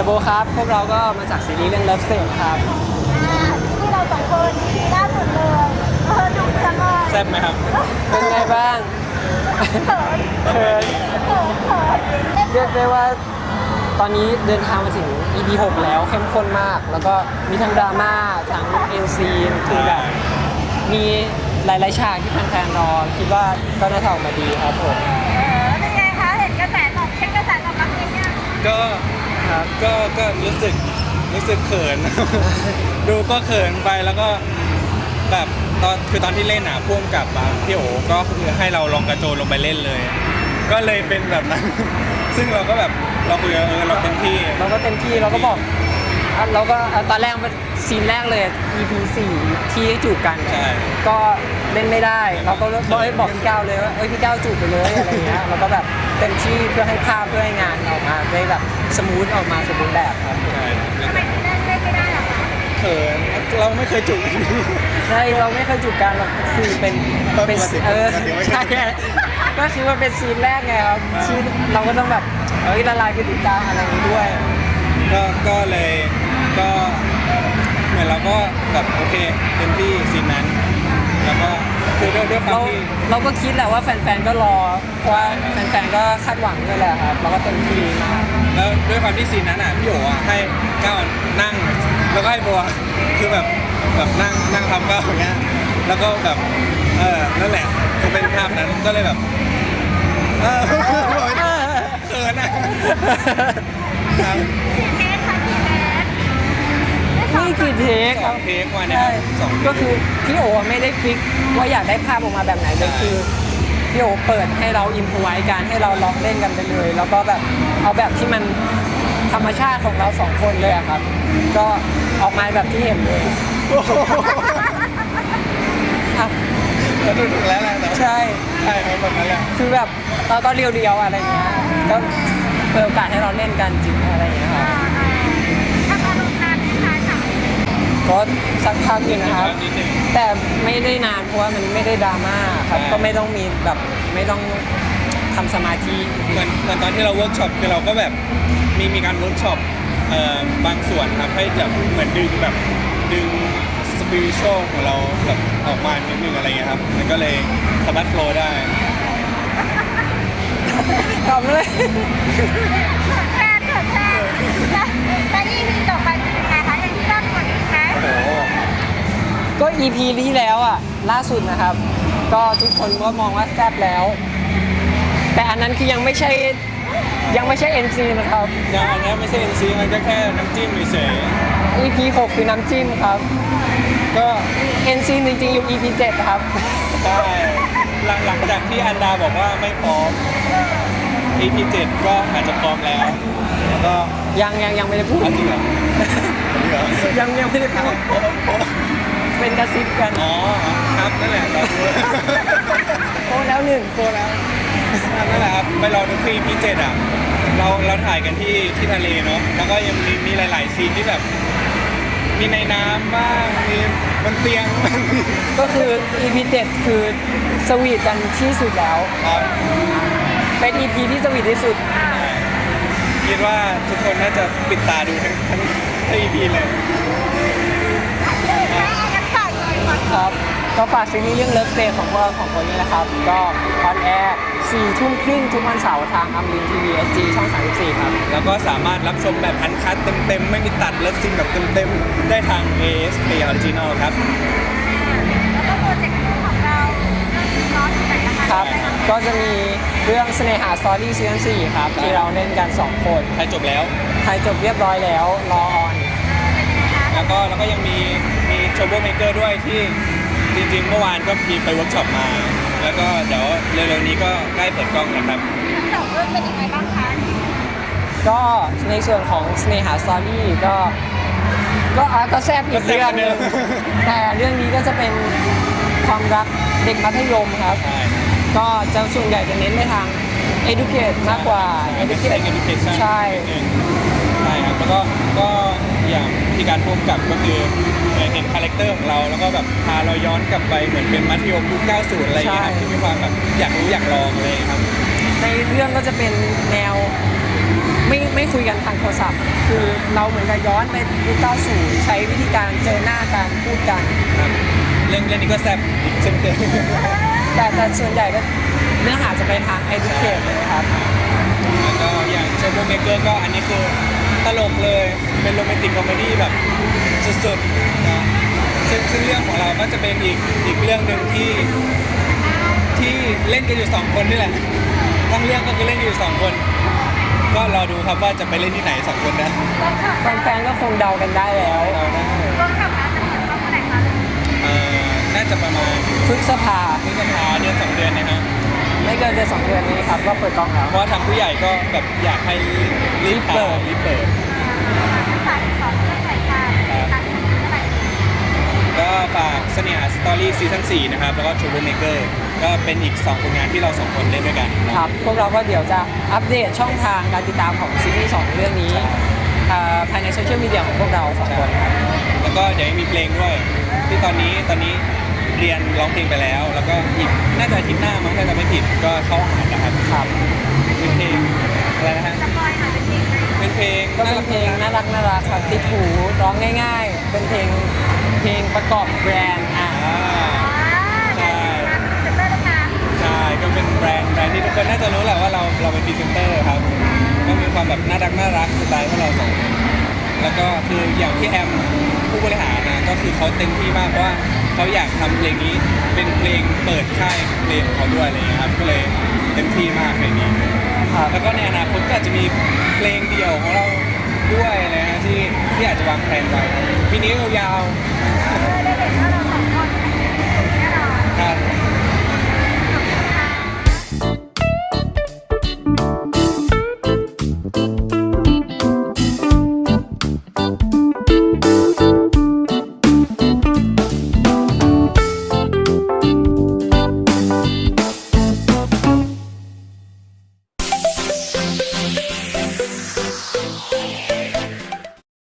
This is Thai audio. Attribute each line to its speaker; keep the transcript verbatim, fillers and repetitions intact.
Speaker 1: โบครับพวกเราก็มาจากซีรีส์เรื่อง Love Stage ครับ
Speaker 2: ที่เราสองคนล่าสุดเลยเออดูจังเลย
Speaker 3: แซ่บไหมครับ
Speaker 1: เป็นไงบ้าง
Speaker 2: เขิน
Speaker 1: เขิน
Speaker 2: เขินเขิน
Speaker 1: เรียกได้ว่าตอนนี้เดินทางมาถึง อี พี หกแล้วเข้มข้นมาก แล้วก็มีทั้งดราม่าทั้งเอ็นซีคือแบบมีหลายๆฉากที่แฟนๆรอคิดว่าก็น่าจะออกมาดีครับผม
Speaker 2: เออเป็นไงคะเห็นกระแสตอบเช็คกระแสตอบรับยังไง
Speaker 3: ก็
Speaker 1: ครับ
Speaker 3: ก็ก็รู้สึกรู้สึกเขิน ดูก็เขินไปแล้วก็แบบตอนคือตอนที่เล่นอ่ะพ่วงกับอ่ะพี่โอก็คือให้เราลองกระโจนลงไปเล่นเลย ก็เลยเป็นแบบนั้น ซึ่งเราก็แบบเราคุยกันเออเราเต็มที่
Speaker 1: เราก็เต็มที่เราก็บอกอ่ะเราก็อ่ะตอนแรกมันซีนแรกเลย อี พี สี่ที่จูบกัน
Speaker 3: ใช่
Speaker 1: ก็เล่นไม่ได้เราก็บอกให้บอกพี่ก้าวเลยว่าเอ้ยพี่ก้าวจูบไปเลยอะไรเงี้ยเราก็แบบเต็มที่เพื่อให้ภาพเพื่อให้งานออกมาได้แบบสมูทออกมาสมบูรณ์แบบครับ
Speaker 3: ใช่แล้ว
Speaker 2: ทำไม
Speaker 3: ก็
Speaker 2: ถึงเล่นเล่นไม่ได้หรอคะ
Speaker 3: เขินเราไม่เคยจุก
Speaker 1: ใช่เราไม่เคยจูบกันหรอกคือเป็นเป็น
Speaker 3: ปกติ
Speaker 1: เออ
Speaker 3: ปกติไม่เคย
Speaker 1: ใช่ก็คือมันเป็นซีนแรกไงครับ
Speaker 3: อ่า
Speaker 1: ซีนเราก็ต้องแบบเอ้ยละลายพฤติกรรมอะไรอย่างนี้ด้วย
Speaker 3: ก็ก็เลยก็เหมือนเราก็แบบโอเคเต็มที่ซีนนั้น แล้วก็คือด้วยด้วยควา
Speaker 1: เรา
Speaker 3: มที่
Speaker 1: เราก็คิดแหละว่าแฟนๆก็รอเพราะว่าแฟนๆก็คาดหวังด้วยแหละครับเราก็เต็มที่มาก
Speaker 3: แล้วด้วยความที่ซีนนั้นอ่ะพี่โอ๋อ่ะให้ก้าวนั่ง แล้วก็ให้บัวคือแบบแบบนั่งนั่งทำก้าวอย่างเงี้ยแล้วก็แบบเออนั่นแหละคือเป็นภาพนั้นก็เลยแบบเออเขินอ่ะครับ
Speaker 2: เทสค่ะกี่เทส
Speaker 1: นี่กี่เทค
Speaker 3: ส
Speaker 1: ค
Speaker 3: อ
Speaker 1: รั
Speaker 3: ง
Speaker 1: บ
Speaker 3: เทคมาเนี่ย
Speaker 1: ใช่
Speaker 3: สองเท
Speaker 1: ก็คือพี่โอไม่ได้ฟิกว่าอยากได้ภาพออกมาแบบไหนเลย
Speaker 3: ใช่
Speaker 1: คือพี่โอเปิดให้เราอิมพไว้การให้เราลองเล่นกันไปเลย แล้วก็แบบเอาแบบที่มันธรรมชาติของเราสองคนเลยอะครับ ก็ออกมาแบบที่เห็นเลย
Speaker 3: โอ้โห
Speaker 1: อ่ะ
Speaker 3: แล้วดูถูกแล้วแหละแต่ว่า
Speaker 1: ใช่
Speaker 3: ใช่ครับแบบนั้นแหละ
Speaker 1: คือแบบเราก็เรียวๆอะไรอย่างเงี้ยก็เปิดโอกาสให้เราเล่นกันจริงอะไรอย่างเงี้ยครับ
Speaker 2: ถ้าพอลงนานที่ค้าฉาก
Speaker 1: ก็สักพักอยู่นะครับ
Speaker 3: นิดหนึ่ง
Speaker 1: แต่ไม่ได้นานเพราะว่ามันไม่ได้ดราม่าครับ
Speaker 3: ใช่
Speaker 1: ก็ไม่ต้องมีแบบไม่ต้องทำสมาธิ
Speaker 3: เหมือนเหมือนตอนที่เราเวิร์กช็อปคือเราก็แบบมีมีการเวิร์กช็อปเอ่อบางส่วนครับให้แบบเหมือนดึงแบบดึงสปิริตชัลของเราแบบออกมานิดนึงอะไรเงี้ยครับมันก็เลยสามารถโฟลว์ได้
Speaker 1: ทำเลย
Speaker 2: แค่เกิดแค่แล้วแล้วอีพีต่อไปเป็นยังไงคะยังแซ่บกว่านี้ไหม
Speaker 3: โอ้โห
Speaker 1: ก็ อี พี ที่แล้วอ่ะล่าสุดนะครับ ก็ทุกคนก็มองว่าแซ่บแล้ว แต่อันนั้นคือยังไม่ใช่ยังไม่ใช่ เอ็น ซี นะครับ
Speaker 3: ยังอันนี้ไม่ใช่ เอ็น ซี มันก็แค่น้ำจิ้มเฉย
Speaker 1: อี พี หกคือน้ำจิ้มครับ
Speaker 3: ๆก็
Speaker 1: เอ็น ซี จริงๆอยู่ อี พี เจ็ดครับ
Speaker 3: ใช่หลังหลังจากที่อันดาบอกว่าไม่พร้อม อี พี เจ็ดก็อาจจะพร้อมแล้วแล้วก็
Speaker 1: ยังยังยังไม่ได้พูด
Speaker 3: เอาจริงเหรอจริงเหรอ
Speaker 1: ยังยังไม่ได้พูด
Speaker 3: โอ้โห
Speaker 1: เป็นกระซิบกัน
Speaker 3: อ๋อครับนั่นแหละเราดู
Speaker 1: โอ้แล้วหนึ่งโอ้แล้ว
Speaker 3: นั่นแหละครับไปรอดูที่ อี พี เจ็ดอ่ะเราเราถ่ายกันที่ที่ทะเลเนาะแล้วก็ยังมีมีหลาย ๆ ซีนที่แบบ มีในน้ำบ้างมีบนเตียงบ้าง
Speaker 1: ก็คือ อี พี เจ็ดคือสวีทกันที่สุดแล้ว
Speaker 3: ครับ
Speaker 1: เป็น อี พี ที่สวีทที่สุด
Speaker 3: คิดว่าทุกคนน่าจะปิดตาดูทั้งทั้งทั้ง อี พี เลย
Speaker 2: ยังฝากเลยฝาก
Speaker 1: ครับ ก็ฝากซีรีส์เรื่องเลิฟเ e ของพวกเราของคนนี้นะครับ ก็ออนแอร์สี่ทุ่มครึ่งทุกวันเสาร์ทางอัมรินทีวีเอสจีช่องสามสิบสี่ครับ
Speaker 3: แล้วก็สามารถรับชมแบบอันคัดเต็มๆ ไม่มีตัดเลิฟซีนแบบเต็มๆ ได้ทาง เอ เอส Play Original ครับ
Speaker 2: แล้วก็โปรเจกต์คู่ของเราเรื่องร้อนที่ไหนนะคะ
Speaker 1: ครับ ก็จะมีเรื่องเสน่หาสตอรี่ซีซั่นสี่ครับ ที่เราเล่นกัน สอง คน
Speaker 3: ถ่ายจบแล้ว
Speaker 1: ถ่ายจบเรียบร้อยแล้ว รอออน
Speaker 3: แล้วก็แล้วก็ยังมีมีโชว์โบเมเกอร์ด้วยที่จริงๆ เมื่อวานก็มีไปเวิร์กช็อปมา แล้วก็เดี๋ยวเร็วๆนี้ก็ใกล้เปิดกล้องนะครับ
Speaker 2: ทั้งสองเรื่องเป็นยังไงบ้างคะ
Speaker 1: ก็ในส่วนของเสน่หาสตอรี่ก็ ก็อ่ะก็แซ่บอีกเรื่องหนึง แต่เรื่องนี้ก็จะเป็นความรักเด็กมัธยมครับ
Speaker 3: ใช่
Speaker 1: ก็จะส่วนใหญ่จะเน้นไปทาง educate มากกว่า
Speaker 3: educate education
Speaker 1: ใช่
Speaker 3: ใช่ครับแล้วก็ก็อย่างที่การพูดกับก็คือเหมือนเห็นคาแรคเตอร์ของเรา แล้วก็แบบพาเราย้อนกลับไปเหมือนเป็นมัธยมยุคเก้าสิบอะไรอย่างเงี้ยครับ
Speaker 1: ใช่
Speaker 3: ที่มีความแบบอยากรู้อยากลองอะไรอย่างเลยครับ
Speaker 1: ในเรื่องก็จะเป็นแนวไม่ไม่คุยกันทางโทรศัพท์ คือเราเหมือนกับย้อนไปยุคเก้าสิบใช้วิธีการเจอหน้ากันพูดกัน
Speaker 3: ครับเรื่องเรื่องนี้ก็แซ่บอีกเช่นเคย
Speaker 1: แต่แต่ส่วนใหญ่ก็เนื้อหาจะไปทาง educate เลยครับ
Speaker 3: แล้วก็อย่างเชฟโรเมเกอร์ก็อันนี้คือตลกเลยเป็นโรแมนติกคอมเมดี้แบบสุดๆนะซึ่งซึ่งเรื่องของเราก็จะเป็นอีกอีกเรื่องหนึ่งที่ที่เล่นกันอยู่สองคนนี่แหละทั้งเรื่องก็คือเล่นกันอยู่สองคน ก็รอดูครับว่าจะไปเล่นที่ไหนสองคนนะ
Speaker 1: แฟนๆก็คงเดากันได้แล้ว
Speaker 3: เราได้
Speaker 2: เวิร์กช็อปแล้วจะเปิดกล้องเมื่อไหร่คะ
Speaker 3: เอ่อน่าจะประมาณ
Speaker 1: พฤษภา
Speaker 3: พฤษภาเดือนสองเดือนนะฮะ
Speaker 1: ไม่เกินเดือนสองเดือนนี้ครับก็เปิดกล้องแล้ว
Speaker 3: เพราะว่าทางผู้ใหญ่ก็แบบอยากให้รีบเปิดรีบเปิด
Speaker 2: ฝากสอนเรื่องหน่อยค่ะตัดสินเมื่อไหร่
Speaker 3: ก็ฝากเสน่หาสตอรี่ซีซั่นสี่นะครับ แล้วก็ Troublemaker ก็เป็นอีกสองผลงานที่เราสองคนเล่นด้วยกันนะครับ
Speaker 1: พวกเราก็เดี๋ยวจะอัปเดตช่องทางการติดตามของซีรีส์สองเรื่องนี้อ่าภายในโซเชียลมีเดียของพวกเราสองคนครับ
Speaker 3: แล้วก็เดี๋ยวยังมีเพลงด้วย ที่ตอนนี้ตอนนี้เรียนร้องเพลงไปแล้ว แล้วก็อีกน่าจะอาทิตย์หน้ามั้งถ้าจะไม่ผิดก็เข้าหานะครับ
Speaker 1: ครับ
Speaker 3: เป็นเพลงอะไรนะฮะ
Speaker 2: สปอยหน่อยเป็นเพลงไหม
Speaker 3: เป็นเพลง
Speaker 1: ก็เป็นเพลงน่ารักน่ารักครับติดหูร้องง่าย ๆ เป็นเพลงเพลงประกอบแบรนด์อ่ะ
Speaker 3: อ่า
Speaker 2: ใช่เซ็นเตอร์นะคะ
Speaker 3: ใช่ก็เป็นแบรนด์แบรนด์ที่ทุกคนน่าจะรู้แหละว่าเราเราเป็นพรีเซนเตอร์ครับ ก็มีความแบบน่ารักน่ารักสไตล์พวกเราสองคนแล้วก็คืออย่างพี่แอมผู้บริหารนะก็คือเขาเต็มที่มากเพราะว่าเขาอยากทำเพลงนี้เป็นเพลงเปิดค่ายเพลงของเขาด้วยอะไรอย่างเงี้ยครับก็เลยเต็มที่มากเพลงนี้
Speaker 1: ครับ
Speaker 3: แล้วก็ในอนาคตก็อาจจะมีเพลงเดี่ยวของเราด้วยนะฮะที่ที่อาจจะวางแผนไว้ปีนี้ยาวๆ